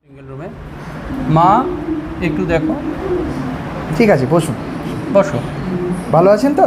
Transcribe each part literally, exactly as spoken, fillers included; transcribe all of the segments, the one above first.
Single রুমে মা একটু দেখো। ঠিক আছে, বসুন। বসো। ভালো আছেন তো?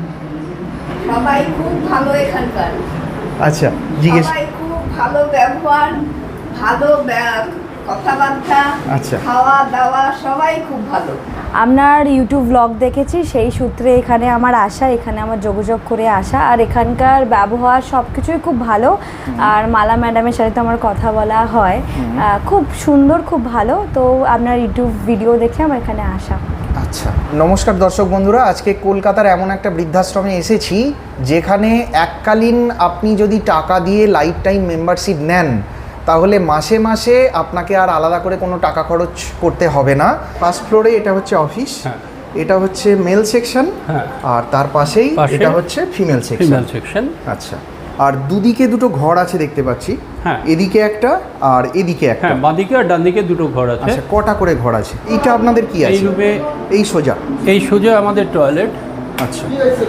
সবাই খুব ভালো এখানকার। আচ্ছা, জিজ্ঞেস। সবাই খুব ভালো ব্যবহার, ভালো ব্যা- কথাবার্তা, আচ্ছা। খাওয়া দাওয়া সবাই খুব ভালো। আপনার ইউটিউব ব্লগ দেখেছি, সেই সূত্রে এখানে আমার আসা, এখানে আমার যোগাযোগ করে আসা। আর এখানকার ব্যবহার সব কিছুই খুব ভালো। আর মালা ম্যাডামের সাথে তো আমার কথা বলা হয়, আহ, খুব সুন্দর, খুব ভালো। তো আপনার ইউটিউব ভিডিও দেখে আমার এখানে আসা। আচ্ছা, নমস্কার দর্শক বন্ধুরা। আজকে কলকাতার এমন একটা বৃদ্ধাশ্রমে এসেছি যেখানে এককালীন আপনি যদি টাকা দিয়ে লাইফ টাইম মেম্বারশিপ নেন তাহলে মাসে মাসে আপনাকে আর আলাদা করে কোনো টাকা খরচ করতে হবে না। ফার্স্ট ফ্লোরে এটা হচ্ছে অফিস, হ্যাঁ। এটা হচ্ছে মেল সেকশন, হ্যাঁ। আর তার পাশেই পাশে এটা হচ্ছে ফিমেল সেকশন। Female section. আচ্ছা, আর দুদিকে দুটো ঘর আছে দেখতে পাচ্ছি। হ্যাঁ। এদিকে একটা আর এদিকে একটা। হ্যাঁ, বাঁদিকে আর ডান দিকে দুটো ঘর আছে। আচ্ছা, কটা করে ঘর আছে? এইটা আপনাদের কি এই আছে? রুমে এই সোজা। এই সোজা আমাদের টয়লেট, আচ্ছা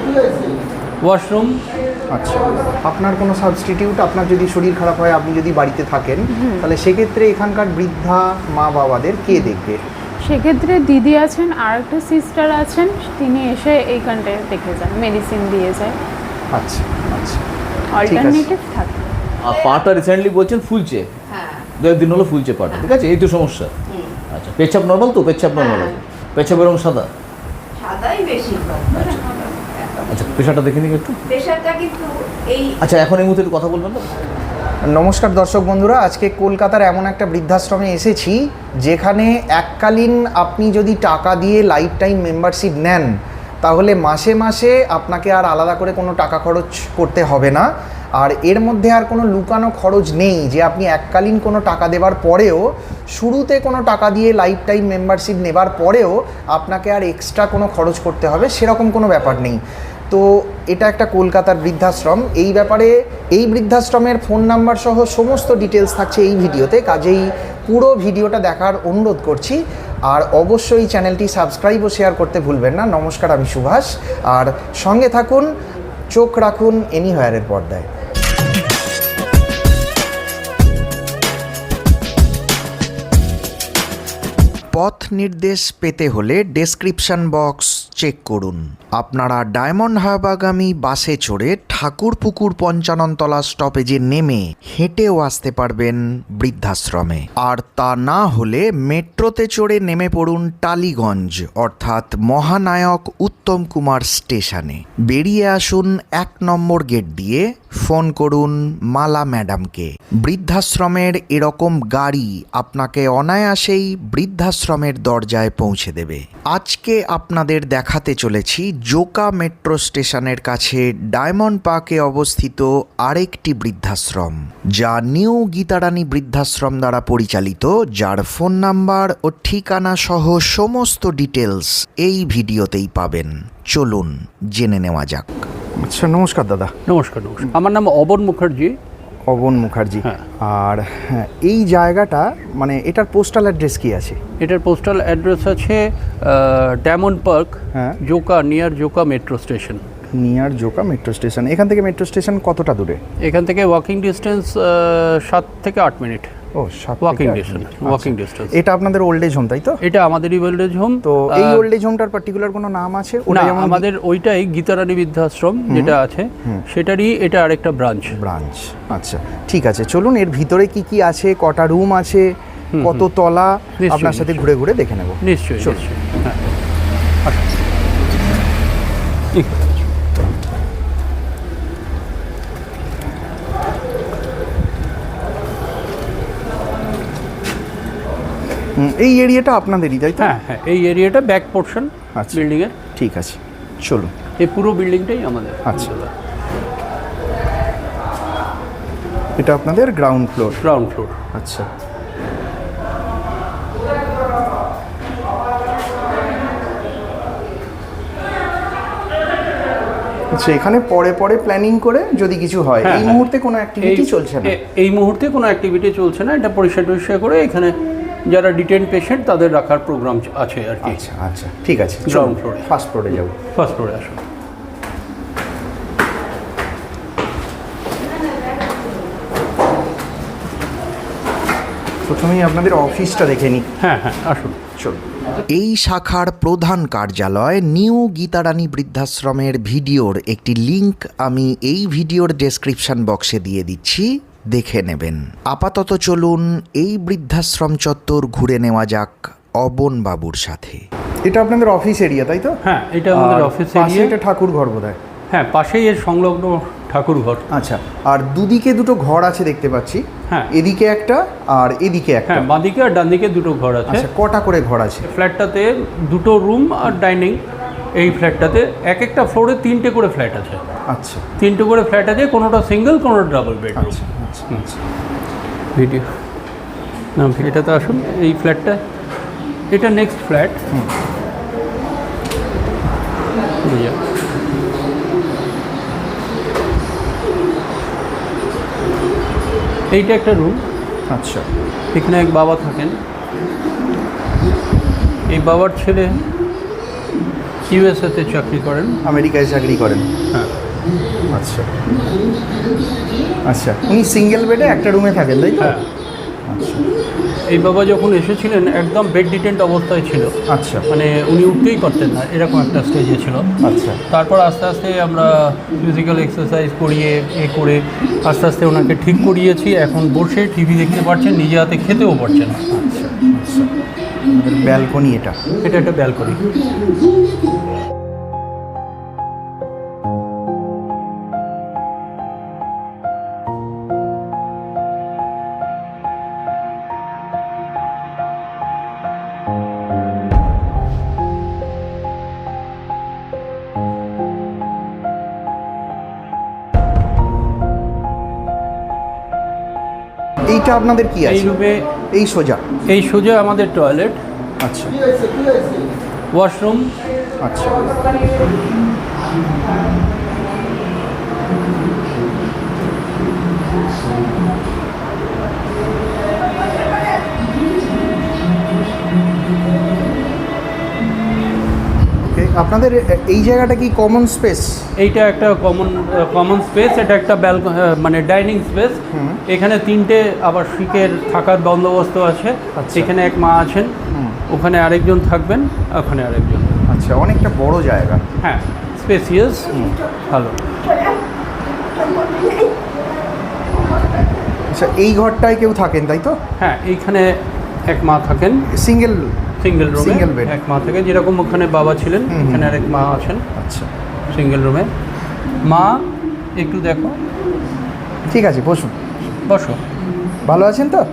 ওয়াশরুম। আচ্ছা, আপনার কোনো সাবস্টিটিউট, আপনার যদি শরীর খারাপ হয়, আপনি যদি বাড়িতে থাকেন, তাহলে সেক্ষেত্রে এখানকার বৃদ্ধা মা বাবাদের কে দেখবে? সেক্ষেত্রে দিদি আছেন, আর একটা সিস্টার আছেন, তিনি এসে এইখানটায় দেখে যান, মেডিসিন দিয়ে যায়, আচ্ছা আচ্ছা, অল্টারনেটিভ থাকে। আর পাটা রিসেন্টলি বলছেন ফুলছে, হ্যাঁ। দু একদিন হলো ফুলছে পাটা, ঠিক আছে? এই তো সমস্যা। হুম। আচ্ছা, পেচ্ছাপ নর্মাল তো? পেচ্ছাপ নর্মাল হ্যাঁ। আছে, পেচ্ছাপের রং সাদা। সাদাই বেশি। আচ্ছা, প্রেশারটা দেখে নিন একটু। প্রেশারটা কিন্তু এই আচ্ছা, এখন এই মুহূর্তে একটু কথা বলবেন না? নমস্কার দর্শক বন্ধুরা। আজকে কলকাতার এমন একটা বৃদ্ধাশ্রমে এসেছি যেখানে এককালীন আপনি যদি টাকা দিয়ে লাইফ টাইম মেম্বারশিপ নেন তাহলে মাসে মাসে আপনাকে আর আলাদা করে কোনো টাকা খরচ করতে হবে না। আর এর মধ্যে আর কোনো লুকানো খরচ নেই যে আপনি এককালীন কোনো টাকা দেওয়ার পরেও, শুরুতে কোনো টাকা দিয়ে লাইফ টাইম মেম্বারশিপ নেবার পরেও আপনাকে আর এক্সট্রা কোনো খরচ করতে হবে, সেরকম কোনো ব্যাপার নেই। তো এটা একটা কলকাতার বৃদ্ধাশ্রম। এই ব্যাপারে এই বৃদ্ধাশ্রমের ফোন নাম্বার সহ সমস্ত ডিটেলস থাকছে এই ভিডিওতে, কাজেই পুরো ভিডিওটা দেখার অনুরোধ করছি। আর অবশ্যই চ্যানেলটি সাবস্ক্রাইব ও শেয়ার করতে ভুলবেন না। নমস্কার, আমি সুভাষ। আর সঙ্গে থাকুন, চোখ রাখুন এনিহোয়ারের পর্দায়। পথ নির্দেশ পেতে হলে ডেসক্রিপশন বক্স চেক করুন। আপনারা ডায়মন্ড হারবাগামী বাসে চড়ে ঠাকুরপুকুর পঞ্চাননতলা স্টপেজে নেমে হেঁটেও আসতে পারবেন বৃদ্ধাশ্রমে। আর তা না হলে মেট্রোতে চড়ে নেমে পড়ুন টালিগঞ্জ অর্থাৎ মহানায়ক উত্তম কুমার স্টেশনে। বেরিয়ে আসুন এক নম্বর গেট দিয়ে, ফোন করুন মালা ম্যাডামকে। বৃদ্ধাশ্রমের এরকম গাড়ি আপনাকে অনায়াসেই বৃদ্ধাশ্রমের দরজায় পৌঁছে দেবে। আজকে আপনাদের দেখাতে চলেছি জোকা মেট্রো স্টেশনের কাছে ডায়মন্ড পার্কে অবস্থিত আরেকটি বৃদ্ধাশ্রম, যা নিউ গীতারানী বৃদ্ধাশ্রম দ্বারা পরিচালিত, যার ফোন নাম্বার ও ঠিকানা সহ সমস্ত ডিটেলস এই ভিডিওতেই পাবেন। চলুন জেনে নেওয়া যাক। আচ্ছা, নমস্কার দাদা। নমস্কার। নমস্কার, আমার নাম অবন মুখার্জি। অবন মুখার্জি। হ্যাঁ। আর হ্যাঁ, এই জায়গাটা মানে এটার পোস্টাল অ্যাড্রেস কি আছে? এটার পোস্টাল অ্যাড্রেস আছে ডায়মন্ড পার্ক, হ্যাঁ। Joka, near Joka metro station. Near Joka metro station. এখান থেকে মেট্রো স্টেশন কতটা দূরে? এখান থেকে ওয়াকিং ডিস্টেন্স সাত থেকে আট মিনিট। ও, সাত ওয়াকিং থেকে আট ডিস্টেন্স। মিনিট। ওয়াকিং আচ্ছা। ডিস্টেন্স। এটা আপনাদের ওল্ড এজ হোম, তাই তো? এটা আমাদেরই ওল্ড এজ হোম। তো এই ওল্ড এজ হোমটার পার্টিকুলার কোনো নাম আছে? না, আমাদের ওইটাই গীতারানী বৃদ্ধাশ্রম যেটা আছে, সেটারই এটা আরেকটা ব্রাঞ্চ। ব্রাঞ্চ। আচ্ছা, ঠিক আছে, চলুন এর ভিতরে কি কি আছে, কটা রুম আছে, কত তলা, নিশ্চয়ই, আপনার সাথে নিশ্চয়ই। ঘুরে ঘুরে দেখে নেব। নিশ্চয়ই, চলুন। নিশ্চয়ই। হ্যাঁ, আসুন। ঠিক আছে। হুম, এই এরিয়াটা আপনাদেরই, তাই তো? হ্যাঁ হ্যাঁ, এই এরিয়াটা ব্যাক পোর্শন আচ্ছা। বিল্ডিংয়ের। ঠিক আছে, চলুন। এই পুরো বিল্ডিংটাই আমাদের। আচ্ছা। এটা আপনাদের গ্রাউন্ড ফ্লোর। Ground floor. আচ্ছা। আচ্ছা, এখানে পরে পরে প্ল্যানিং করে যদি কিছু হয়। হ্যাঁ, এই হ্যাঁ। মুহূর্তে কোনো অ্যাক্টিভিটি এই- চলছে না? এ- এই মুহূর্তে কোনো অ্যাক্টিভিটি চলছে না। এটা পরিষ্কার টরিষ্কার করে এখানে যারা ডিটেন পেশেন্ট তাদের রাখার প্রোগ্রাম আছে আর কি। আচ্ছা আচ্ছা, ঠিক আছে, Ground floor এ। ফার্স্ট ফ্লোরে যাব। ফার্স্ট ফ্লোরে আসুন। প্রথমেই আপনাদের অফিসটা দেখে নিই। হ্যাঁ হ্যাঁ আসুন। চলুন। এই শাখার প্রধান কার্যালয় নিউ গীতারানী বৃদ্ধাশ্রমের ভিডিওর একটি লিংক আমি এই ভিডিওর ডেসক্রিপশন বক্সে দিয়ে দিচ্ছি, দেখে নেবেন। আপাতত চলুন এই বৃদ্ধাশ্রম চত্বর ঘুরে নেওয়া যাক অবন বাবুর সাথে। এটা আপনাদের অফিস এরিয়া, তাই তো? হ্যাঁ, এটা আমাদের অফিস এরিয়া। এটা ঠাকুর ঘর বোধহয়। হ্যাঁ, পাশেই এর সংলগ্ন ঠাকুর ঘর। আচ্ছা, আর দুদিকে দুটো ঘর আছে দেখতে পাচ্ছি। হ্যাঁ, এদিকে একটা আর এদিকে একটা। হ্যাঁ, বাঁদিকে আর ডান দিকে দুটো ঘর আছে। আচ্ছা, কটা করে ঘর আছে? ফ্ল্যাটটাতে দুটো রুম আর ডাইনিং। এই ফ্ল্যাটটাতে এক একটা ফ্লোরে তিনটে করে ফ্ল্যাট আছে। আচ্ছা, তিনটে করে ফ্ল্যাট আছে, কোনোটা সিঙ্গেল কোনোটা ডাবল বেডরুম। আচ্ছা আচ্ছা আচ্ছা। ভিডিও না, এটাতে আসুন। এই ফ্ল্যাটটা, এটা নেক্সট ফ্ল্যাট। এইটা একটা রুম। আচ্ছা, এখানে এক বাবা থাকেন। এই বাবার ছেলে ইউএসএতে চাকরি করেন। আমেরিকায় চাকরি করেন? হ্যাঁ। আচ্ছা আচ্ছা, উনি সিঙ্গেল বেডে একটা রুমে থাকেন, তাই তো? হ্যাঁ। আচ্ছা এই বাবা যখন এসেছিলেন একদম বেড ডিটেন্ট অবস্থায় ছিল। আচ্ছা, মানে উনি উঠতেই পারতেন না, এরকম একটা স্টেজে ছিল। আচ্ছা তারপর আস্তে আস্তে আমরা ফিজিক্যাল এক্সারসাইজ করিয়ে এ করে আস্তে আস্তে ওনাকে ঠিক করিয়েছি। এখন বসে টিভি দেখতে পারছেন, নিজে হাতে খেতেও পারছেন। আচ্ছা আচ্ছা। ব্যালকনি এটা? এটা একটা ব্যালকনি। এইটা আপনাদের কি এই আছে? রুমে এই সোজা? এই সোজা আমাদের টয়লেট, আচ্ছা, ওয়াশরুম। আচ্ছা আপনাদের এই জায়গাটা কি কমন স্পেস? এইটা একটা কমন কমন স্পেস। এটা একটা ব্যালক মানে ডাইনিং স্পেস। এখানে তিনটে আবার শিকের থাকার বন্দোবস্ত আছে। এখানে এক মা আছেন, ওখানে আরেকজন থাকবেন, ওখানে আরেকজন। আচ্ছা, অনেকটা বড় জায়গা। হ্যাঁ, স্পেসিয়াস, ভালো। আচ্ছা, এই ঘরটায় কেউ থাকেন, তাই তো? হ্যাঁ, এইখানে এক মা থাকেন, সিঙ্গেল সিঙ্গেল রুমে। Single bed. এক মা থাকে, যেরকম ওখানে বাবা ছিলেন এখানে আরেক মা আছেন। আচ্ছা, সিঙ্গেল রুমে। মা একটু দেখো। ঠিক আছে, বসুন। বসো। ভালো আছেন তো?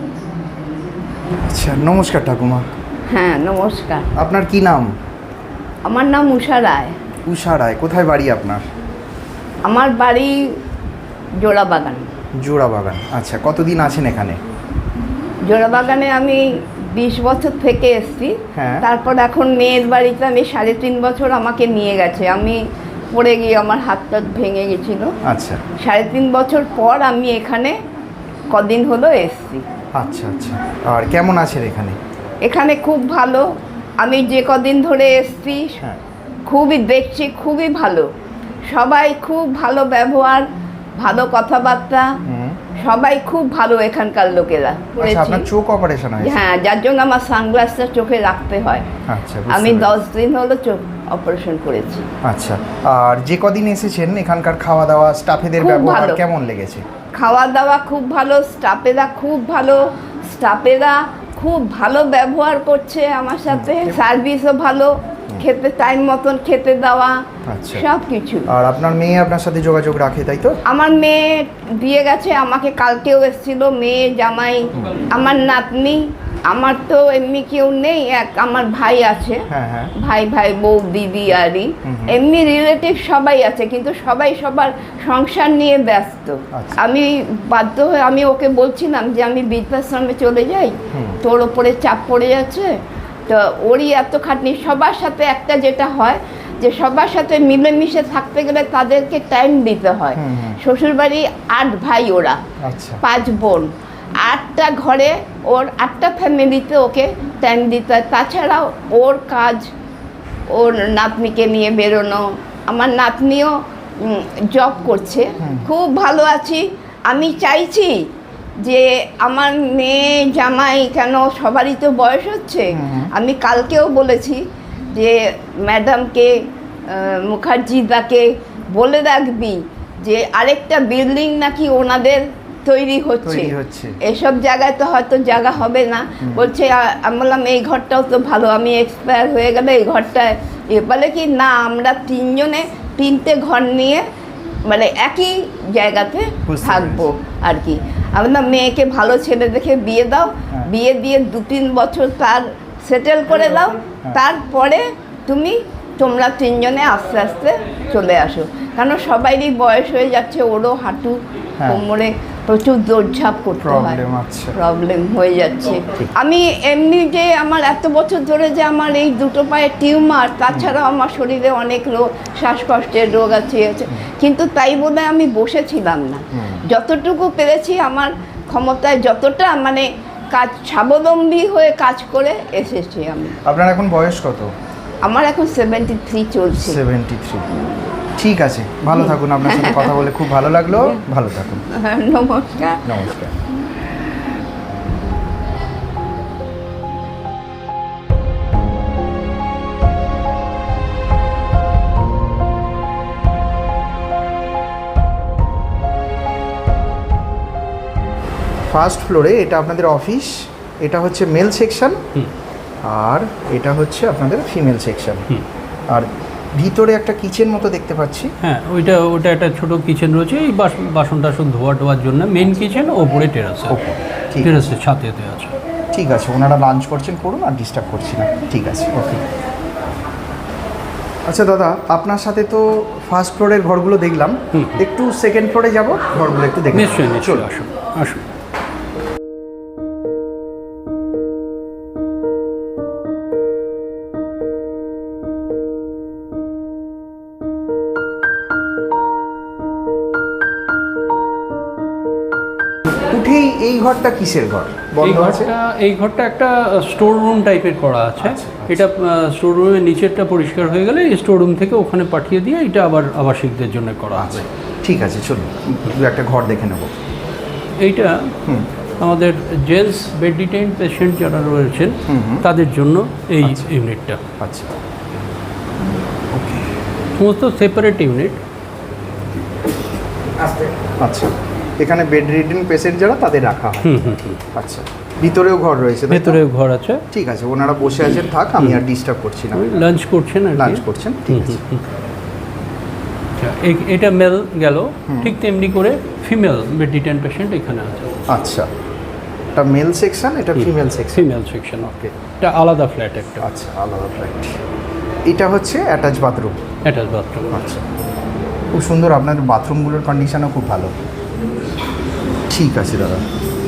আচ্ছা, নমস্কার ঠাকুমা। হ্যাঁ নমস্কার। আপনার কি নাম? আমার নাম উষা রায়। উষা রায়। কোথায় বাড়ি আপনার? আমার বাড়ি জোড়াবাগান। জোড়াবাগান। আচ্ছা, কতদিন আছেন এখানে? জোড়াবাগানে আমি বিশ বছর থেকে এসেছি। হ্যাঁ। তারপর এখন মেয়ের বাড়িতে আমি সাড়ে তিন বছর আমাকে নিয়ে গেছে। আমি পড়ে গিয়ে আমার হাতটা ভেঙে গেছিল। আচ্ছা, সাড়ে তিন বছর পর আমি এখানে কদিন হলো এসেছি। আচ্ছা আচ্ছা। আর কেমন আছেন এখানে? এখানে খুব ভালো। আমি যে কদিন ধরে এসেছি হ্যাঁ। খুবই দেখছি, খুবই ভালো। সবাই খুব ভালো ব্যবহার, ভালো কথাবার্তা, সবাই খুব ভালো এখানকার লোকেরা। আচ্ছা, আপনার চোখ অপারেশন হয়েছে? হ্যাঁ, যার জন্য আমার সানগ্লাসটা চোখে রাখতে হয়। আচ্ছা, আমি দশ দিন হলো চোখ অপারেশন করেছি। আচ্ছা, আর যে কদিন এসেছেন এখানকার খাওয়া দাওয়া, স্টাফেদের খুব ব্যবহার ভালো। কেমন লেগেছে? খাওয়া দাওয়া খুব ভালো, স্টাফেরা খুব ভালো, স্টাফেরা খুব ভালো ব্যবহার করছে আমার সাথে, সার্ভিসও ভালো, খেতে টাইম মতন খেতে দেওয়া, আচ্ছা। সব কিছু। আর আপনার মেয়ে আপনার সাথে যোগাযোগ রাখে, তাই তো? আমার মেয়ে দিয়ে গেছে, আমাকে কালকেও এসেছিল মেয়ে, জামাই, আমার নাতনি। আমার তো এমনি কেউ নেই, এক আমার ভাই আছে। হ্যাঁ হ্যাঁ। ভাই ভাই বউ দিদি আরই এমনি রিলেটিভ সবাই আছে, কিন্তু সবাই সবার সংসার নিয়ে ব্যস্ত। আচ্ছা। আমি বাধ্য হয়ে আমি ওকে বলছিলাম যে আমি বৃদ্ধাশ্রমে চলে যাই, তোর ওপরে চাপ পড়ে যাচ্ছে। তো ওরই এত খাটনি। সবার সাথে একটা যেটা হয় যে সবার সাথে মিলেমিশে থাকতে গেলে তাদেরকে টাইম দিতে হয়। শ্বশুরবাড়ি আট ভাই, ওরা আচ্ছা, পাঁচ বোন, আটটা ঘরে, ওর আটটা ফ্যামিলিতে ওকে টাইম দিতে হয়। তাছাড়াও ওর কাজ, ওর নাতনিকে নিয়ে বেরোনো। আমার নাতনিও জব করছে, খুব ভালো আছি। আমি চাইছি যে আমার মেয়ে জামাই কেন সবারই তো বয়স হচ্ছে, আমি কালকেও বলেছি যে ম্যাডামকে মুখার্জিদাকে বলে রাখবি যে আরেকটা বিল্ডিং নাকি ওনাদের তৈরি হচ্ছে, তৈরি হচ্ছে। এসব জায়গায় তো হয়তো জায়গা হবে না। বলছে আ- আমি বললাম এই ঘরটাও তো ভালো, আমি এক্সপায়ার হয়ে গেলে এই ঘরটায় এ বলে কি না আমরা তিনজনে তিনটে ঘর নিয়ে মানে একই জায়গাতে বুঝতে থাকবো আর কি। আমি বললাম মেয়েকে ভালো ছেলে দেখে বিয়ে দাও, বিয়ে দিয়ে দু তিন বছর তার সেটেল করে দাও, তারপরে তুমি তোমরা তিনজনে আস্তে আস্তে চলে আসো, কারণ সবারই বয়স হয়ে যাচ্ছে, ওরও হাঁটু হ্যাঁ। কোমরে প্রচুর দৌড়ঝাঁপ করতে হয়, প্রবলেম আছে। প্রবলেম হয়ে যাচ্ছে। আমি এমনি যে আমার এত বছর ধরে যে আমার এই দুটো পায়ে টিউমার, তাছাড়াও আমার শরীরে অনেক রোগ, শ্বাসকষ্টের রোগ আছে আছে, কিন্তু তাই বলে আমি বসেছিলাম না। যতটুকু পেরেছি আমার ক্ষমতায়, যতটা মানে কাজ স্বাবলম্বী হয়ে কাজ করে এসেছি আমি। আপনার এখন বয়স কত? আমার এখন সেভেন্টি থ্রি চলছে। Seventy three. ঠিক আছে, ভালো থাকুন, আপনার সাথে কথা বলে খুব ভালো লাগলো, ভালো থাকুন, নমস্কার। নমস্কার। ফার্স্ট ফ্লোরে এটা আপনাদের অফিস, এটা হচ্ছে মেল সেকশন, আর এটা হচ্ছে আপনাদের ফিমেল সেকশন। আর ভিতরে একটা কিচেন মতো দেখতে পাচ্ছি। হ্যাঁ, ওইটা ওটা একটা ছোট কিচেন রয়েছে, এই বাসন বাসন টাসন ধোয়া টোয়ার জন্য মেন কিচেন, ওপরে টেরাস, ওপরে, ঠিক টেরাসে ছাতেতে আছে। ঠিক আছে, ওনারা লাঞ্চ করছেন, করুন, আর ডিস্টার্ব করছি না। ঠিক আছে, ওকে। আচ্ছা দাদা, আপনার সাথে তো ফার্স্ট ফ্লোরের ঘরগুলো দেখলাম, একটু সেকেন্ড ফ্লোরে যাব, ঘরগুলো একটু দেখে নিশ্চয়ই নিশ্চয়ই, চলুন। আসুন আসুন। উঠেই এই ঘরটা কিসের ঘর? এই বন্ধ আছে? ঘরটা এই ঘরটা একটা স্টোর রুম টাইপের করা আছে। আচ্ছা, এটা স্টোর রুমের নিচেরটা পরিষ্কার হয়ে গেলে স্টোর রুম থেকে ওখানে পাঠিয়ে দিয়ে এটা আবার আবাসিকদের জন্য করা আছে। ঠিক আছে, চলুন দু একটা ঘর দেখে নেব। এইটা আমাদের জেন্টস বেড ডিটেইন পেশেন্ট যারা রয়েছেন তাদের জন্য এই ইউনিটটা। আচ্ছা, সমস্ত সেপারেট ইউনিট। আচ্ছা, এখানে বেড রিডেন পেশেন্ট যারা তাদের রাখা হয়। আচ্ছা, ভিতরেও ঘর রয়েছে, তাই তো? ভেতরে ঘর আছে। ঠিক আছে, ওনারা বসে আছেন, থাক, আমি আর ডিস্টার্ব করছি না। লাঞ্চ করছেন আর কি। লাঞ্চ করছেন, ঠিক আছে। আচ্ছা, এই- এটা মেল গেল, ঠিক তেমনি করে ফিমেল বেড ডিটেইন পেশেন্ট এখানে আছে। আচ্ছা, এটা মেল সেকশন, এটা female section. Female section, okay. এটা আলাদা ফ্ল্যাট একটা, আচ্ছা, আলাদা ফ্ল্যাট। এটা হচ্ছে অ্যাটাচ বাথরুম। Attach bathroom. আচ্ছা, খুব সুন্দর, আপনাদের বাথরুমগুলোর কন্ডিশনও খুব ভালো। ঠিক আছে দাদা।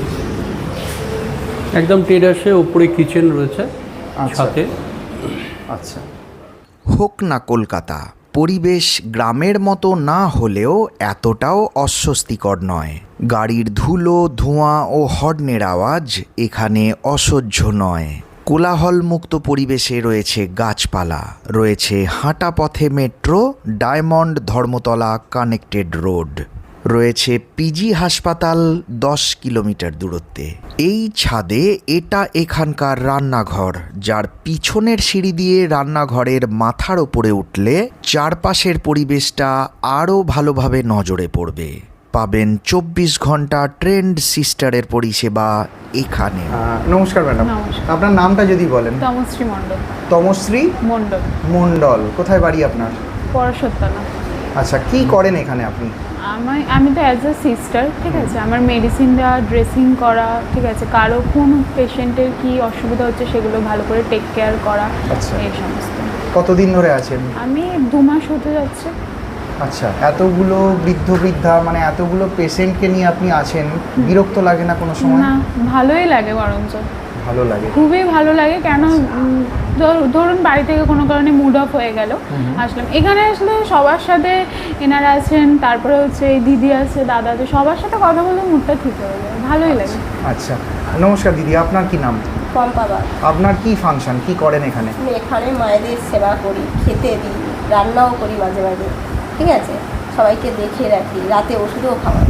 একদম টেরাসে উপরে কিচেন রয়েছে, আচ্ছা। সাথে। আচ্ছা, হোক না কলকাতা, পরিবেশ গ্রামের মতো না হলেও এতটাও অস্বস্তিকর নয়। গাড়ির ধুলো, ধোঁয়া ও হর্নের আওয়াজ এখানে অসহ্য নয়। কোলাহলমুক্ত পরিবেশে রয়েছে গাছপালা, রয়েছে হাঁটা পথে metro, diamond Dharmatala connected road, রয়েছে পিজি হাসপাতাল দশ কিলোমিটার দূরত্বে। এই ছাদে এটা এখানকার রান্নাঘর, যার পিছনের সিঁড়ি দিয়ে রান্নাঘরের মাথার ওপরে উঠলে চারপাশের পরিবেশটা আরও ভালোভাবে নজরে পড়বে। পাবেন চব্বিশ ঘন্টা ট্রেন্ড সিস্টারের পরিষেবা এখানে। নমস্কার ম্যাডাম, নমস্কার। আপনার নামটা যদি বলেন। তমশ্রী মণ্ডল। তমশ্রী মণ্ডল, মণ্ডল, কোথায় বাড়ি আপনার? পরশোত্তলা। আচ্ছা, কি করেন এখানে আপনি? আমি আমি তো অ্যাজ আ সিস্টার, ঠিক আছে, আমার মেডিসিন দেওয়া, ড্রেসিং করা, ঠিক আছে, কারো কোন পেশেন্টের কি অসুবিধা হচ্ছে সেগুলো ভালো করে টেক কেয়ার করা, আচ্ছা। এই সমস্ত। কতদিন ধরে আছেন? আমি দু মাস হতে যাচ্ছে। আচ্ছা, এতগুলো বৃদ্ধ বৃদ্ধা, মানে এতগুলো পেশেন্টকে নিয়ে আপনি আছেন, বিরক্ত লাগে না কোনো সময়? না, ভালোই লাগে, বরঞ্চ ভালো লাগে। খুবই ভালো লাগে। কেন উম, ধর- ধরুন বাড়ি থেকে কোনো কারণে মুড অফ হয়ে গেল, আসলাম এখানে, আসলে সবার সাথে এনারা আছেন, তারপরে হচ্ছে এই দিদি আছে, দাদা আছে, সবার সাথে কথা বলে মুডটা ঠিক হয়ে যায়, ভালোই লাগে। আচ্ছা, নমস্কার দিদি, আপনার কি নাম? পম্পা বাগ। আপনার কি ফাংশন, কি করেন এখানে? আমি এখানে মায়েদের সেবা করি, খেতে দিই, রান্নাও করি মাঝে মাঝে, ঠিক আছে, সবাইকে দেখে রাখি, রাতে ওষুধও খাওয়াই।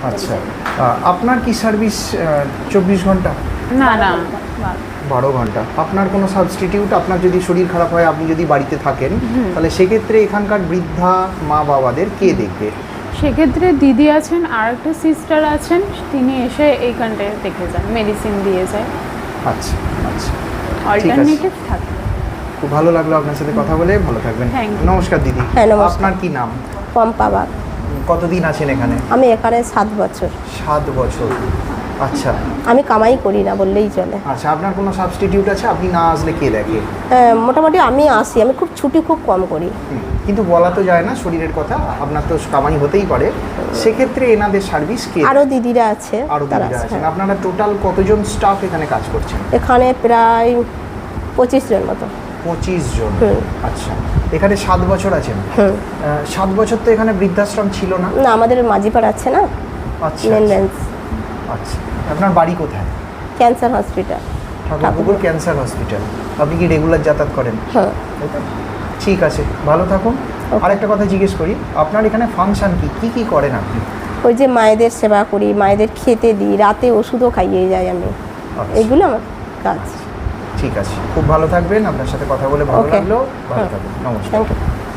আচ্ছা আহ, আপনার কি সার্ভিস চব্বিশ ঘন্টা না না বারো ঘন্টা? আপনার কোনো সাবস্টিটিউট, আপনার যদি শরীর খারাপ হয়, আপনি যদি বাড়িতে থাকেন, তাহলে সেক্ষেত্রে এখানকার বৃদ্ধা মা বাবাদের কে দেখবে? সেক্ষেত্রে দিদি আছেন আর একটা সিস্টার আছেন, তিনি এসে এইখানটায় দেখে যান, মেডিসিন দিয়ে যায়, আচ্ছা আচ্ছা, অল্টারনেটিভ থাকে। খুব ভালো লাগলো আপনার সাথে কথা বলে, ভালো থাকবেন। Thank you. নমস্কার দিদি। হ্যাঁ, নমস্কার। আপনার কি নাম? পম্পা বাগ। কতদিন আছেন এখানে? আমি এখানে সাত বছর। সাত বছর। আচ্ছা আমি কামাই করি না বললেই চলে। আচ্ছা, আপনার কোনো সাবস্টিটিউট আছে? আপনি না আসলে কে দেখে? হ্যাঁ, মোটামুটি আমি আসি, আমি খুব ছুটি খুব কম করি। হুম, কিন্তু বলা তো যায় না শরীরের কথা, আপনার তো কামাই হতেই পারে, সেক্ষেত্রে এনাদের সার্ভিস কে? আরও দিদিরা আছে, আরও তারা দিদিরা আছে, আছেন। হ্যাঁ। আপনারা টোটাল কতজন স্টাফ এখানে কাজ করছেন? এখানে প্রায় পঁচিশ জন মতো। পঁচিশ জন। হুম। আচ্ছা, এখানে সাত বছর আছেন। হুম। আহ, সাত বছর তো এখানে বৃদ্ধাশ্রম ছিল না? না, আমাদের মাঝিপাড়া আছে না, আচ্ছা মেন আচ্ছা, ব্রাঞ্চ, আচ্ছা। আপনার বাড়ি কোথায়? Cancer hospital. Thakurpukur cancer hospital. আপনি কি রেগুলার যাতায়াত করেন? হ্যাঁ। তাই তো? ঠিক আছে, ভালো থাকুন। আরেকটা কথা জিজ্ঞেস করি, আপনার এখানে ফাংশন কি কি কি করেন আপনি? ওই যে মায়েদের সেবা করি, মায়েদের খেতে দিই, রাতে ওষুধও খাইয়ে যাই আমি, আচ্ছা, এগুলো আমার কাজ। ঠিক আছে, খুব ভালো থাকবেন। আপনার সাথে কথা বলে ভালো Okay. লাগলো। ভালো হ্যাঁ। থাকবেন। নমস্কার। Thank you.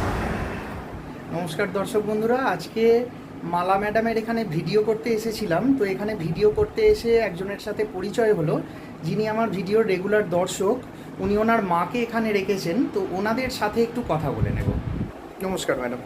নমস্কার দর্শক বন্ধুরা, আজকে মালা ম্যাডামের এখানে ভিডিও করতে এসেছিলাম। তো এখানে ভিডিও করতে এসে একজনের সাথে পরিচয় হলো, যিনি আমার ভিডিওর রেগুলার দর্শক। উনি ওনার মাকে এখানে রেখেছেন, তো ওনাদের সাথে একটু কথা বলে নেব। নমস্কার ম্যাডাম,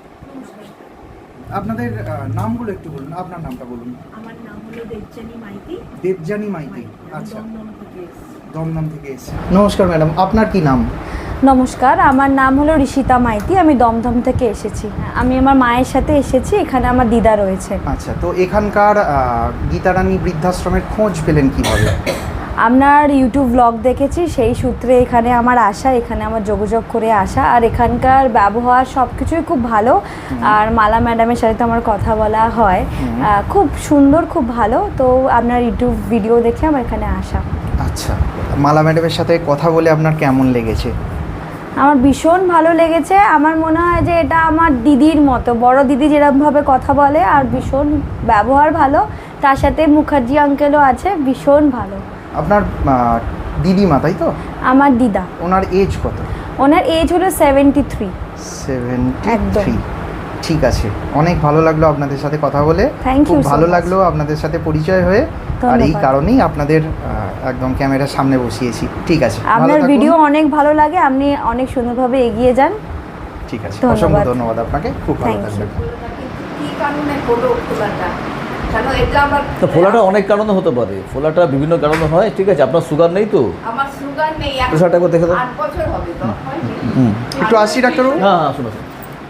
আপনাদের আহ, নামগুলো একটু বলুন। আপনার নামটা বলুন। আমার নাম হলো দেবজানী মাইতি। দেবজানী মাইতি। আচ্ছা, দমদম থেকে এসেছি। দমদম থেকে এসেছে। নমস্কার ম্যাডাম, আপনার কি নাম? নমস্কার, আমার নাম হলো ঋষিতা মাইতি, আমি দমদম থেকে এসেছি। আমি আমার মায়ের সাথে এসেছি, এখানে আমার দিদা রয়েছে। আচ্ছা, তো এখানকার আহ, গীতারানী বৃদ্ধাশ্রমের খোঁজ পেলেন কিভাবে? আপনার ইউটিউব ব্লগ দেখেছি, সেই সূত্রে এখানে আমার আসা, এখানে আমার যোগাযোগ করে আসা। আর এখানকার ব্যবহার সব কিছুই খুব ভালো। আর মালা ম্যাডামের সাথে তো আমার কথা বলা হয়, আহ, খুব সুন্দর, খুব ভালো। তো আপনার ইউটিউব ভিডিও দেখে আমার এখানে আসা। আচ্ছা, মালা ম্যাডামের সাথে কথা বলে আপনার কেমন লেগেছে? আমার ভীষণ ভালো লেগেছে। আমার মনে হয় যে এটা আমার দিদির মতো, বড় দিদি যেরকমভাবে কথা বলে, আর ভীষণ ব্যবহার ভালো। তার সাথে মুখার্জি আঙ্কেলও আছে, ভীষণ ভালো। আপনার আহ, দিদিমা তাই তো? আমার দিদা। ওনার এজ কত? ওনার এজ হলো সেভেন্টি থ্রি। সেভেন্টি একদম। থ্রি। ঠিক আছে, অনেক ভালো লাগলো আপনাদের সাথে কথা বলে। Thank you খুব so ভালো much. লাগলো আপনাদের সাথে পরিচয় হয়ে। আর এই ধন্যবাদ। কারণেই আপনাদের আহ, একদম ক্যামেরার সামনে বসিয়েছি। ঠিক আছে, ভালো আপনার থাকুন। ভিডিও অনেক ভালো লাগে, আপনি অনেক সুন্দরভাবে এগিয়ে যান। ঠিক আছে, ধন্যবাদ। অসংখ্য ধন্যবাদ আপনাকে। খুব ভালো Thank you. থাকবেন। কি কারণে হলো খোলাটা? কেন এটা আমার তো ফোলাটা অনেক কারণে হতে পারে, ফোলাটা বিভিন্ন কারণে হয়। ঠিক আছে, আপনার সুগার নেই তো? আমার সুগার নেই, এখন প্রেশারটা একবার দেখে দাও। আট বছর হবে তো, হয়নি? হুম, একটু আসছি ডাক্তারবাবু। হ্যাঁ হ্যাঁ, শুনো শুনো।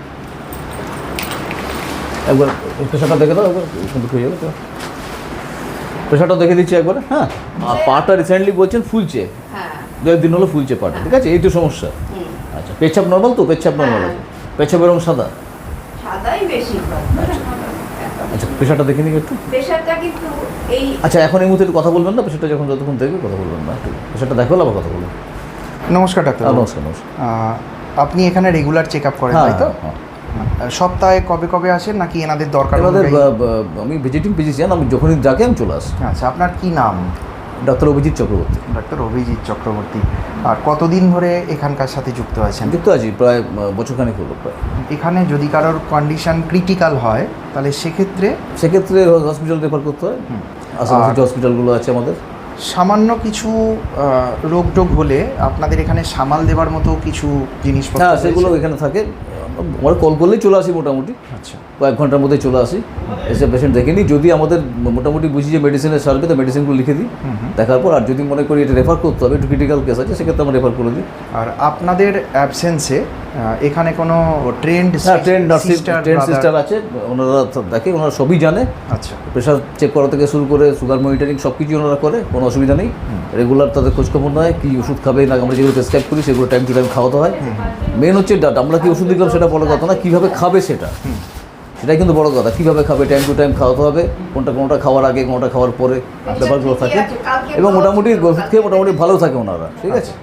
একবার প্রেশারটা দেখে দাও, একবার সুন্দর হয়ে যাবে তো। প্রেশারটা দেখে দিচ্ছি একবার। হ্যাঁ, আর পাটা রিসেন্টলি বলছেন ফুলছে, হ্যাঁ। দু একদিন হলো ফুলছে পাটা। ঠিক আছে, এই তো সমস্যা। হুম। আচ্ছা, পেচ্ছাপ নর্মাল তো? পেচ্ছাপ নর্মাল হ্যাঁ। আছে? পেচ্ছাপ রং সাদা? সাদাই বেশি হয়। আচ্ছা, প্রেশারটা দেখে নিই একটু। প্রেশারটা কিন্তু এই আচ্ছা, এখন এই মুহূর্তে একটু কথা বলবেন না, প্রেশারটা যখন যতক্ষণ দেখবে কথা বলবেন না। ঠিক আছে, প্রেশারটা দেখো, আবার কথা বলবেন। নমস্কার ডাক্তার। হ্যাঁ, নমস্কার নমস্কার। আপনি এখানে রেগুলার চেক আপ করেন হ্যাঁ তাই তো? হ্যাঁ। সপ্তাহে কবে কবে আসেন, নাকি এনাদের দরকার আমাদের অনুযায়ী? আমি ভিজিটিং ফিজিশিয়ান, আমি যখনই ডাকে আমি চলে আসি। আচ্ছা, আপনার কি নাম? ডাক্তার অভিজিৎ চক্রবর্তী। ডাক্তার অভিজিৎ চক্রবর্তী। আর কতদিন ধরে এখানকার সাথে যুক্ত আছেন? যুক্ত আছি প্রায় আহ, বছরখানেক হলো প্রায়। এখানে যদি কারোর কন্ডিশন ক্রিটিক্যাল হয়, তাহলে সেক্ষেত্রে সেক্ষেত্রে হসপিটাল রেফার করতে হয়। হুম। আশেপাশে আর- যে হসপিটালগুলো আছে আমাদের। সামান্য কিছু আহ, রোগ টোগ হলে আপনাদের এখানে সামাল দেওয়ার মতো কিছু জিনিসপত্র হ্যাঁ, রয়েছে? সেগুলো এখানে থাকে। আমরা কল করলেই চলে আসি মোটামুটি, আচ্ছা, কয়েক ঘন্টার মধ্যে চলে আসি। এসে পেশেন্ট দেখে নিই, যদি আমাদের মোটামুটি বুঝি যে মেডিসিনের সার্ভে, তো মেডিসিনগুলো লিখে দিই দেখার পর। আর যদি মনে করি এটা রেফার করতে হবে, একটু ক্রিটিক্যাল কেস আছে, সেক্ষেত্রে আমরা রেফার করে দিই। আর আপনাদের অ্যাবসেন্সে এখানে কোনো ট্রেন্ড হ্যাঁ, ট্রেন নার্সিং ট্রেন সিস্টার আছে, ওনারা তো দেখে, ওনারা সবই জানে। আচ্ছা, প্রেশার চেক করা থেকে শুরু করে সুগার মনিটরিং সব কিছুই ওনারা করে, কোনো অসুবিধা নেই। রেগুলার তাদের খোঁজখবর নয়, কী ওষুধ খাবে না, আমরা যেগুলো প্রেসক্রাইব করি সেগুলো টাইম টু টাইম খাওয়াতে হয়। মেন হচ্ছে ডাট, আমরা কি ওষুধ দিলাম সেটা বড় কথা না, কীভাবে খাবে সেটা, সেটাই কিন্তু বড় কথা। কীভাবে খাবে, টাইম টু টাইম খাওয়াতে হবে, কোনটা কোনোটা খাওয়ার আগে কোনোটা খাওয়ার পরে ব্যাপারগুলো থাকে। এবং মোটামুটি ওষুধ খেয়ে মোটামুটি ভালো থাকে ওনারা। ঠিক আছে,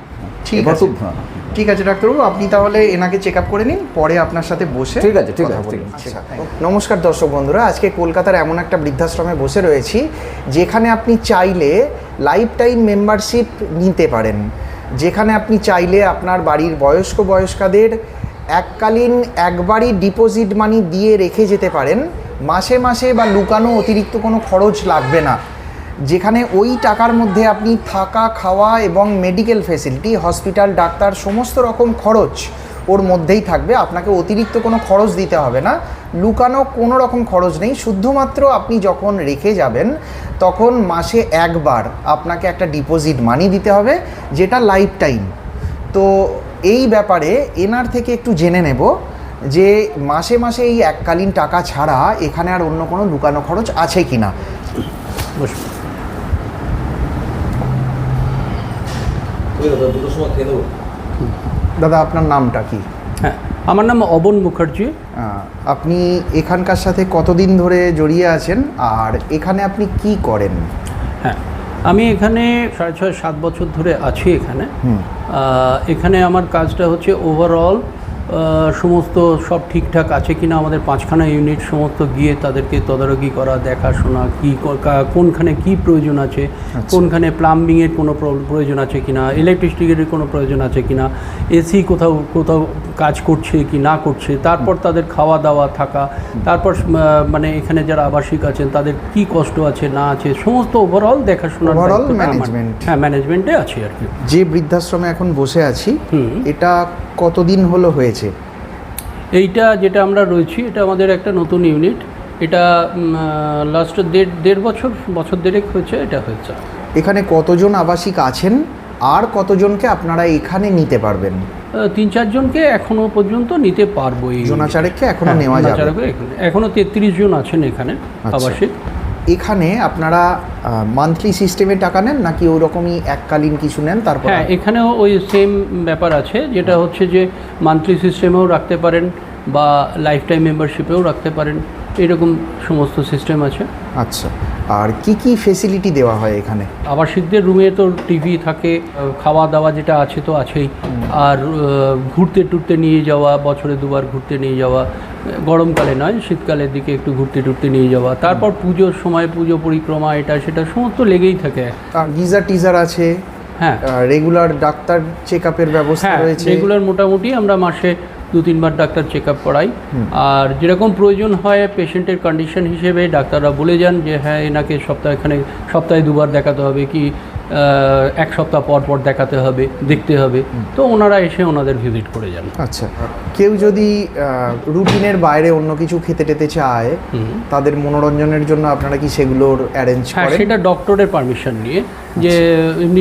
ঠিক এবার আছে তো হ্যাঁ ঠিক আছে ডাক্তারবাবু, আপনি তাহলে এনাকে চেক আপ করে নিন, পরে আপনার সাথে বসে ঠিক আছে, ঠিক কথা আছে, বলে ঠিক নিচ্ছি। আছে। আচ্ছা, নমস্কার দর্শক বন্ধুরা, আজকে কলকাতার এমন একটা বৃদ্ধাশ্রমে বসে রয়েছি যেখানে আপনি চাইলে লাইফ টাইম মেম্বারশিপ নিতে পারেন, যেখানে আপনি চাইলে আপনার বাড়ির বয়স্ক বয়স্কাদের এককালীন একবারই ডিপোজিট মানি দিয়ে রেখে যেতে পারেন, মাসে মাসে বা লুকানো অতিরিক্ত কোনো খরচ লাগবে না, যেখানে ওই টাকার মধ্যে আপনি থাকা খাওয়া এবং মেডিকেল ফেসিলিটি, হসপিটাল, ডাক্তার, সমস্ত রকম খরচ ওর মধ্যেই থাকবে। আপনাকে অতিরিক্ত কোনো খরচ দিতে হবে না, লুকানো কোনো রকম খরচ নেই। শুধুমাত্র আপনি যখন রেখে যাবেন তখন মাসে একবার আপনাকে একটা ডিপোজিট মানি দিতে হবে, যেটা লাইফ টাইম। তো এই ব্যাপারে এনার থেকে একটু জেনে নেব যে মাসে মাসে এই এককালীন টাকা ছাড়া এখানে আর অন্য কোনো লুকানো খরচ আছে কি না। বসুন। দুটোর সময় খেয়ে নেবো। দাদা আপনার নামটা কি? হ্যাঁ, আমার নাম অবন মুখার্জি। আহ, আপনি এখানকার সাথে কতদিন ধরে জড়িয়ে আছেন আর এখানে আপনি কি করেন? হ্যাঁ, আমি এখানে সাড়ে ছয় সাত বছর ধরে আছি এখানে। আহ, এখানে আমার কাজটা হচ্ছে ওভারঅল সমস্ত সব ঠিকঠাক আছে কিনা আমাদের পাঁচখানা ইউনিট সমস্ত গিয়ে তাদেরকে তদারকি করা, দেখাশোনা, কী কোনখানে কি প্রয়োজন আছে, কোনখানে প্লাম্বিংয়ের কোনো প্রয়োজন আছে কিনা, ইলেকট্রিসিটির কোনো প্রয়োজন আছে কিনা, এসি কোথাও কোথাও কাজ করছে কি না করছে, তারপর তাদের খাওয়া দাওয়া থাকা, তারপর মানে এখানে যারা আবাসিক আছেন তাদের কি কষ্ট আছে না আছে, সমস্ত ওভারঅল দেখাশোনার Overall দায়িত্বটা আমার। management। হ্যাঁ, ম্যানেজমেন্টে আছি আর কি। যে বৃদ্ধাশ্রমে এখন বসে আছি হুম। এটা কতদিন হলো হয়েছে? এইটা যেটা আমরা রয়েছি এটা আমাদের একটা নতুন ইউনিট। এটা লাস্ট দেড় দেড় বছর বছর দেড়েক হয়েছে এটা হয়েছে। এখানে কতজন আবাসিক আছেন আর কতজনকে আপনারা এখানে নিতে পারবেন? আহ, তিন চারজনকে এখনো পর্যন্ত নিতে পারবো। এই জোনাচারেককে এখনো হ্যাঁ, নেওয়া যাবে? জোনাচারেকে এখানে এখনো তেত্রিশ জন আছেন এখানে আচ্ছা। আবাসিক। এখানে আপনারা মান্থলি সিস্টেমে টাকা নেন নাকি ওরকমই এককালীন কিছু নেন তারপর? হ্যাঁ, এখানেও ওই সেম ব্যাপার আছে, যেটা হচ্ছে যে মান্থলি সিস্টেমেও রাখতে পারেন বা লাইফ টাইম মেম্বারশিপেও রাখতে পারেন, এরকম সমস্ত সিস্টেম আছে। আচ্ছা, আর কি কি ফেসিলিটি দেওয়া হয় এখানে? আবাসিকদের রুমে তো টিভি থাকে, খাওয়া দাওয়া যেটা আছে তো আছেই, আর আহ, ঘুরতে টুরতে নিয়ে যাওয়া, বছরে দুবার ঘুরতে নিয়ে যাওয়া, গরমকালে নয় শীতকালের দিকে একটু ঘুরতে টুরতে নিয়ে যাওয়া, তারপর পুজোর সময় পুজো পরিক্রমা, এটা সেটা সমস্ত লেগেই থাকে। আর গিজার টিজার আছে? হ্যাঁ, রেগুলার ডাক্তার চেক আপের ব্যবস্থা হ্যাঁ, রয়েছে? রেগুলার মোটামুটি আমরা মাসে দু তিনবার ডাক্তার চেক আপ করাই। আর যেরকম প্রয়োজন হয় পেশেন্টের কন্ডিশন হিসেবে ডাক্তাররা বলে যান যে হ্যাঁ এনাকে সপ্তাহে এখানে সপ্তাহে দুবার দেখাতে হবে কি এক সপ্তাহ পর পর দেখাতে হবে, দেখতে হবে, তো ওনারা এসে ওনাদের ভিজিট করে যান। আচ্ছা, কেউ যদি রুটিনের বাইরে অন্য কিছু খেতে টেতে চায় তাদের মনোরঞ্জনের জন্য আপনারা কি সেগুলোর অ্যারেঞ্জ হ্যাঁ, করেন? সেটা ডক্টরের পারমিশন নিয়ে, যে এমনি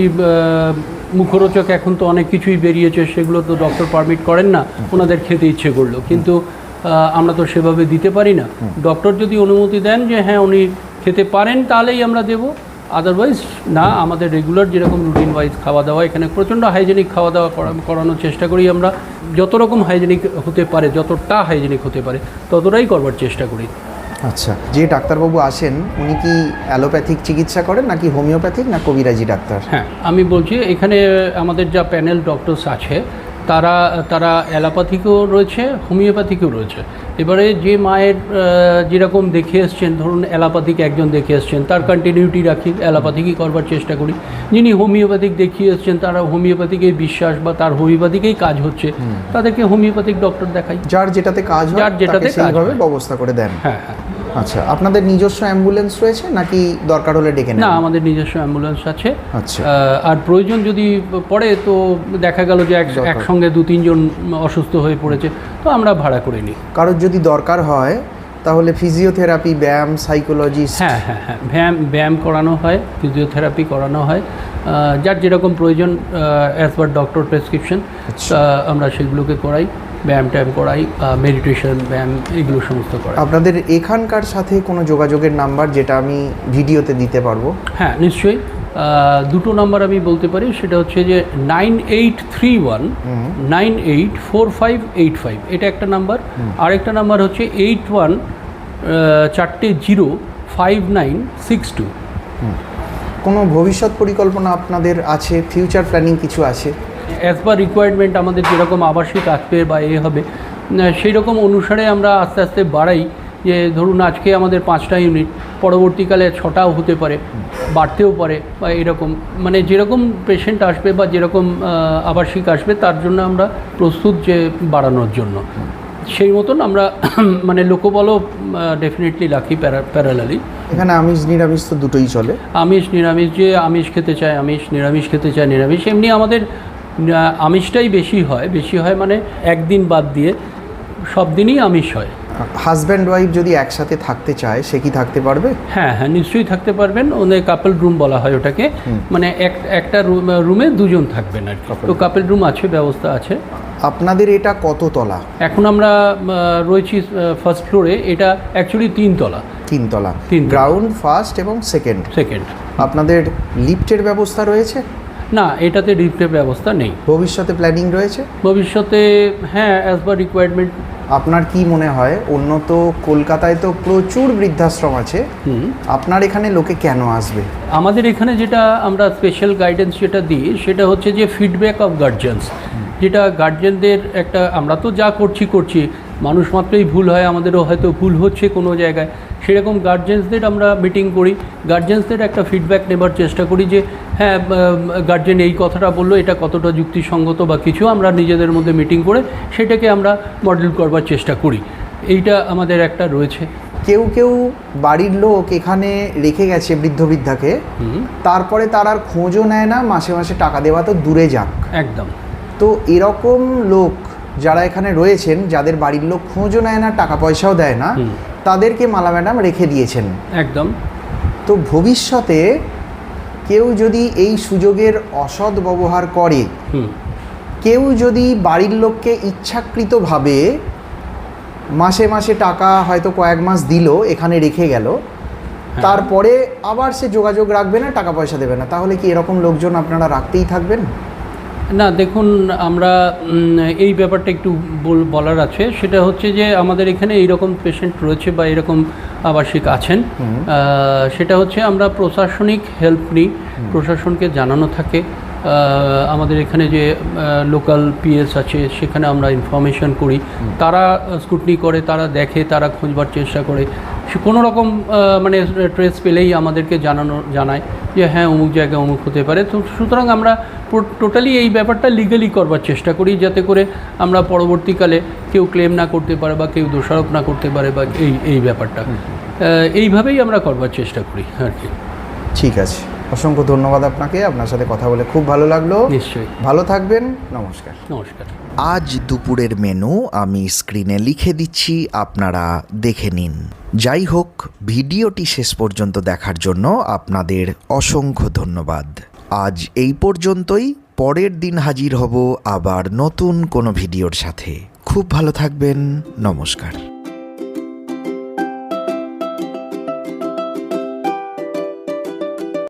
মুখরোচক এখন তো অনেক কিছুই বেরিয়েছে, সেগুলো তো ডক্টর পারমিট করেন না, ওনাদের খেতে ইচ্ছে করলো, কিন্তু আমরা তো সেভাবে দিতে পারি না। ডক্টর যদি অনুমতি দেন যে হ্যাঁ উনি খেতে পারেন তাহলেই আমরা দেবো, আদারওয়াইজ না। আমাদের রেগুলার যেরকম রুটিন ওয়াইজ খাওয়া দাওয়া, এখানে প্রচণ্ড হাইজেনিক খাওয়া দাওয়া করানোর চেষ্টা করি আমরা, যত রকম হাইজেনিক হতে পারে, যতটা হাইজেনিক হতে পারে ততটাই করবার চেষ্টা করি। আচ্ছা, যে ডাক্তারবাবু আসেন উনি কি অ্যালোপ্যাথিক চিকিৎসা করেন নাকি হোমিওপ্যাথিক না কবিরাজি ডাক্তার? হ্যাঁ, আমি বলছি এখানে আমাদের যা প্যানেল ডক্টরস আছে তারা তারা অ্যালোপ্যাথিকও রয়েছে, হোমিওপ্যাথিকও রয়েছে। এবারে যে মায়ের যেরকম দেখে এসছেন, ধরুন অ্যালোপ্যাথিক একজন দেখে এসছেন, তার কন্টিনিউটি রাখি, অ্যালোপ্যাথিকই করবার চেষ্টা করি। যিনি হোমিওপ্যাথিক দেখিয়ে এসছেন তারা হোমিওপ্যাথিকেই বিশ্বাস বা তার হোমিওপ্যাথিকেই কাজ হচ্ছে, তাদেরকে হোমিওপ্যাথিক ডক্টর দেখাই। যার যেটাতে কাজ হয় যার যেটাতে কাজ সেইভাবে হয়। ব্যবস্থা করে দেন? হ্যাঁ হ্যাঁ। আচ্ছা, আপনাদের নিজস্ব অ্যাম্বুলেন্স রয়েছে নাকি দরকার হলে ডেকে নেন? না, আমাদের নিজস্ব অ্যাম্বুলেন্স আছে। আচ্ছা। আহ, আর প্রয়োজন যদি পড়ে তো দেখা গেল যে এক একসঙ্গে দু তিনজন অসুস্থ হয়ে পড়েছে, তো আমরা ভাড়া করে নিই। কারোর যদি দরকার হয় তাহলে ফিজিওথেরাপি, ব্যায়াম, সাইকোলজিস্ট? হ্যাঁ হ্যাঁ হ্যাঁ, ব্যায়াম ব্যায়াম করানো হয়, ফিজিওথেরাপি করানো হয়, আহ, যার যেরকম প্রয়োজন অ্যাজ পার ডক্টর প্রেসক্রিপশন আমরা সেগুলোকে করাই, ব্যায়াম ট্যায়াম করাই, মেডিটেশন, ব্যায়াম, এগুলো সমস্ত করাই। আপনাদের এখানকার সাথে কোনো যোগাযোগের নাম্বার যেটা আমি ভিডিওতে দিতে পারবো? হ্যাঁ, নিশ্চয়ই। দুটো নাম্বার আমি বলতে পারি, সেটা হচ্ছে যে nine eight three one nine eight four five eight five, এটা একটা নাম্বার। আরেকটা নাম্বার হচ্ছে এইট ওয়ান চারটে zero five nine six two. কোনো ভবিষ্যৎ পরিকল্পনা আপনাদের আছে? ফিউচার প্ল্যানিং কিছু আছে? অ্যাজ পার রিকোয়ারমেন্ট আমাদের যেরকম আবাসিক আসবে বা এ হবে সেই রকম অনুসারে আমরা আস্তে আস্তে বাড়াই, যে ধরুন আজকে আমাদের পাঁচটা ইউনিট, পরবর্তীকালে ছটাও হতে পারে, বাড়তেও পারে বা এরকম, মানে যেরকম পেশেন্ট আসবে বা যেরকম আবাসিক আসবে তার জন্য আমরা প্রস্তুত যে বাড়ানোর জন্য, সেই মতন আমরা মানে লোকবলও ডেফিনেটলি রাখি প্যারালালি। এখানে আমিষ নিরামিষ তো দুটোই চলে। আমিষ নিরামিষ, যে আমিষ খেতে চায় আমিষ, নিরামিষ খেতে চায় নিরামিষ। এমনি আমাদের আমিষটাই বেশি হয়, বেশি হয় মানে একদিন বাদ দিয়ে সব দিনই আমিষ হয়। হাজব্যান্ড ওয়াইফ যদি একসাথে থাকতে চায় সে কি থাকতে পারবে? হ্যাঁ হ্যাঁ নিশ্চয়ই থাকতে পারবেন। ওদের কাপল রুম বলা হয় ওটাকে, মানে এক একটা রুমে দুজন থাকবেন আর কি। তো কাপল রুম আছে, ব্যবস্থা আছে। আপনাদের এটা কত তলা? এখন আমরা রয়েছি ফার্স্ট ফ্লোরে, এটা অ্যাকচুয়ালি তিনতলা। তিনতলা, তিন গ্রাউন্ড, ফার্স্ট এবং সেকেন্ড। সেকেন্ড। আপনাদের লিফটের ব্যবস্থা রয়েছে? না, এটাতে লিফটের ব্যবস্থা নেই। ভবিষ্যতে প্ল্যানিং রয়েছে? ভবিষ্যতে হ্যাঁ, অ্যাজ পার রিকোয়ারমেন্ট। আপনার কি মনে হয়, উন্নত কলকাতায় তো প্রচুর বৃদ্ধাশ্রম আছে, আপনার এখানে লোকে কেন আসবে? আমাদের এখানে যেটা আমরা স্পেশাল গাইডেন্স যেটা দিই সেটা হচ্ছে যে ফিডব্যাক অফ গার্জিয়ানস, যেটা গার্জিয়ানদের একটা, আমরা তো যা করছি করছি মানুষ মাত্রই ভুল হয়, আমাদেরও হয়তো ভুল হচ্ছে কোনো জায়গায়, সেরকম গার্জিয়ানসদের আমরা মিটিং করি, গার্জিয়ানসদের একটা ফিডব্যাক নেবার চেষ্টা করি যে হ্যাঁ গার্জেন এই কথাটা বললো, এটা কতটা যুক্তিসঙ্গত বা কিছু, আমরা নিজেদের মধ্যে মিটিং করে সেটাকে আমরা মডেল করবার চেষ্টা করি। এইটা আমাদের একটা রয়েছে। কেউ কেউ বাড়ির লোক এখানে রেখে গেছে বৃদ্ধ বৃদ্ধাকে, তারপরে তার আর খোঁজও নেয় না, মাসে মাসে টাকা দেওয়া তো দূরে যাক। একদম। তো এরকম লোক যারা এখানে রয়েছেন, যাদের বাড়ির লোক খোঁজও নেয় না, টাকা পয়সাও দেয় না, তাদেরকে মালা ম্যাডাম রেখে দিয়েছেন। একদম। তো ভবিষ্যতে কেউ যদি এই সুযোগের অসৎ ব্যবহার করে, কেউ যদি বাড়ির লোককে ইচ্ছাকৃতভাবে মাসে মাসে টাকা হয়তো কয়েক মাস দিল, এখানে রেখে গেল, তারপরে আবার সে যোগাযোগ রাখবে না, টাকা পয়সা দেবে না, তাহলে কি এরকম লোকজন আপনারা রাখতেই থাকবেন? না দেখুন, আমরা এই ব্যাপারটা একটু বলার আছে, সেটা হচ্ছে যে আমাদের এখানে এইরকম পেশেন্ট রয়েছে বা এরকম আবাসিক আছেন, সেটা হচ্ছে আমরা প্রশাসনিক হেল্প নিই, প্রশাসনকে জানানো থাকে। আমাদের এখানে যে লোকাল পিএস আছে সেখানে আমরা ইনফরমেশন করি, তারা স্কুটনি করে, তারা দেখে, তারা খুঁজবার চেষ্টা করে, সে কোনো রকম মানে ট্রেস পেলেই আমাদেরকে জানানো জানায় যে হ্যাঁ অমুক জায়গায় অমুক হতে পারে। তো সুতরাং আমরা টোটালি এই ব্যাপারটা লিগালি করবার চেষ্টা করি, যাতে করে আমরা পরবর্তীকালে কেউ ক্লেম না করতে পারে বা কেউ দোষারোপ না করতে পারে বা এই এই ব্যাপারটা এইভাবেই আমরা করবার চেষ্টা করি আর কি। ঠিক আছে, অসংখ্য ধন্যবাদ আপনাকে, আপনার সাথে কথা বলে খুব ভালো লাগলো। নিশ্চয়ই, ভালো থাকবেন, নমস্কার। নমস্কার। আজ দুপুরের মেনু আমি স্ক্রিনে লিখে দিচ্ছি, আপনারা দেখে নিন। যাই হোক, ভিডিওটি শেষ পর্যন্ত দেখার জন্য আপনাদের অসংখ্য ধন্যবাদ। আজ এই পর্যন্তই, পরের দিন হাজির হব আবার নতুন কোনো ভিডিওর সাথে। খুব ভালো থাকবেন, নমস্কার।